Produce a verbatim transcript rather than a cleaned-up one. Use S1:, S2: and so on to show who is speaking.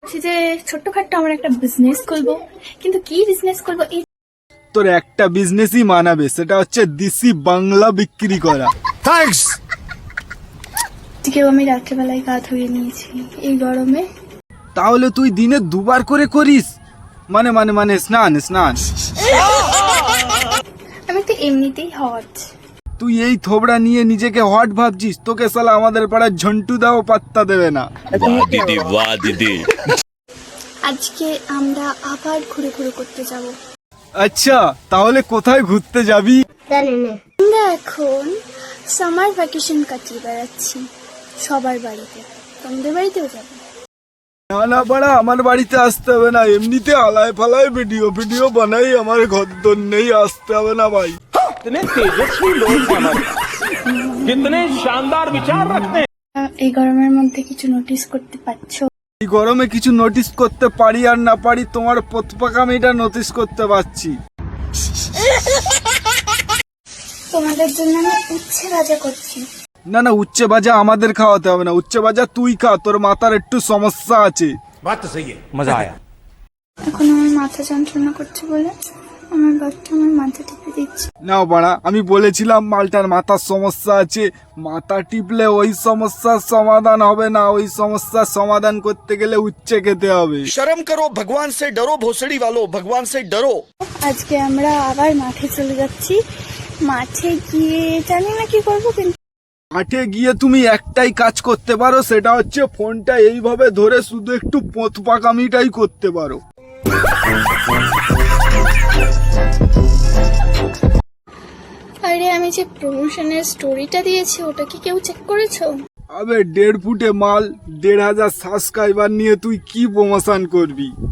S1: বলছি যে ছোট্টখাট্টো আমার একটা বিজনেস করবো, কিন্তু কি বিজনেস করবো এই
S2: তোর একটা বিজনেসই মানাবে, সেটা হচ্ছে দেশি বাংলা বিক্রি করা।
S3: থ্যাঙ্কস।
S1: আজকেও আমি রাত্রেবেলায় গা ধুয়ে নিয়েছি এই গরমে।
S2: তাহলে তুই দিনে দুবার করে করিস? মানে মানে মানে স্নান স্নান
S1: আমি তো এমনিতেই হট।
S2: তুই এই থোবড়া নিয়ে নিজেকে হট ভাবছিস? তোকে সালা আমাদের পাড়ার ঝন্টু দাও পাত্তা দেবে না।
S4: वाह दीदी वाह दीदी।
S1: আজকে আমরা আবার ঘুরে ঘুরে করতে যাব।
S2: আচ্ছা, তাহলে কোথায় ঘুরতে যাবি?
S1: আমরা এখন সামার ভ্যাকেশন কাটিয়ে বেড়াচ্ছি সবার বাড়িতে। তোমাদের বাড়িতেও যাবো?
S2: না না পাড়া, আমার বাড়িতে আসতে হবে না, এমনিতে আলায় ফালায় ভিডিও ভিডিও বানাই, আমার ঘর দর নেই, আসতে হবে না ভাই।
S5: कितने तेजस्वी लोग हैं हमारे, कितने शानदार विचार रखते हैं।
S1: এই গরমের মধ্যে কিছু নোটিস করতে পারছো?
S2: এই গরমে কিছু নোটিস করতে পারি আর না পারি, তোমার পথপাকামিটা নোটিস করতে পারছি।
S1: তোমাদের জন্য আমি উচ্ছে ভাজা করছি।
S2: না না, উচ্চে ভাজা আমাদের খাওয়াতে হবে না, উচ্চে ভাজা তুই খা, তোর মাথার একটু সমস্যা আছে।
S3: बात तो सही है, मजा आया।
S1: এখন আমার মাথা যন্ত্রণা করছে বলে আমার বাচ্চা আমার মাথা টিপে দিচ্ছে।
S2: নাও বাড়া, আমি বলেছিলাম মালটার মাথার সমস্যা আছে, মাথা টিপলে ওই সমস্যার সমাধান হবে না, ওই সমস্যার সমাধান করতে গেলে উচ্চে খেতে হবে।
S6: शर्म करो, भगवान से डरो, भोसड़ी वालों, भगवान से डरो।
S1: আজকে আমরা আবার মাঠে চলে যাচ্ছি। মাঠে গিয়ে জানি না কি করবো, কিন্তু
S2: মাঠে গিয়ে তুমি একটাই কাজ করতে পারো, সেটা হচ্ছে ফোনটা এইভাবে ধরে শুধু একটু পথপাকামিটাই করতে পারো।
S1: আরে আমি যে প্রমোশনের স্টোরিটা দিয়েছি ওটা কি কেউ চেক করেছো?
S2: আবে দেড় ফুটে মাল, দেড় হাজার সাবস্ক্রাইবার নিয়ে তুই কি প্রমোশন করবি?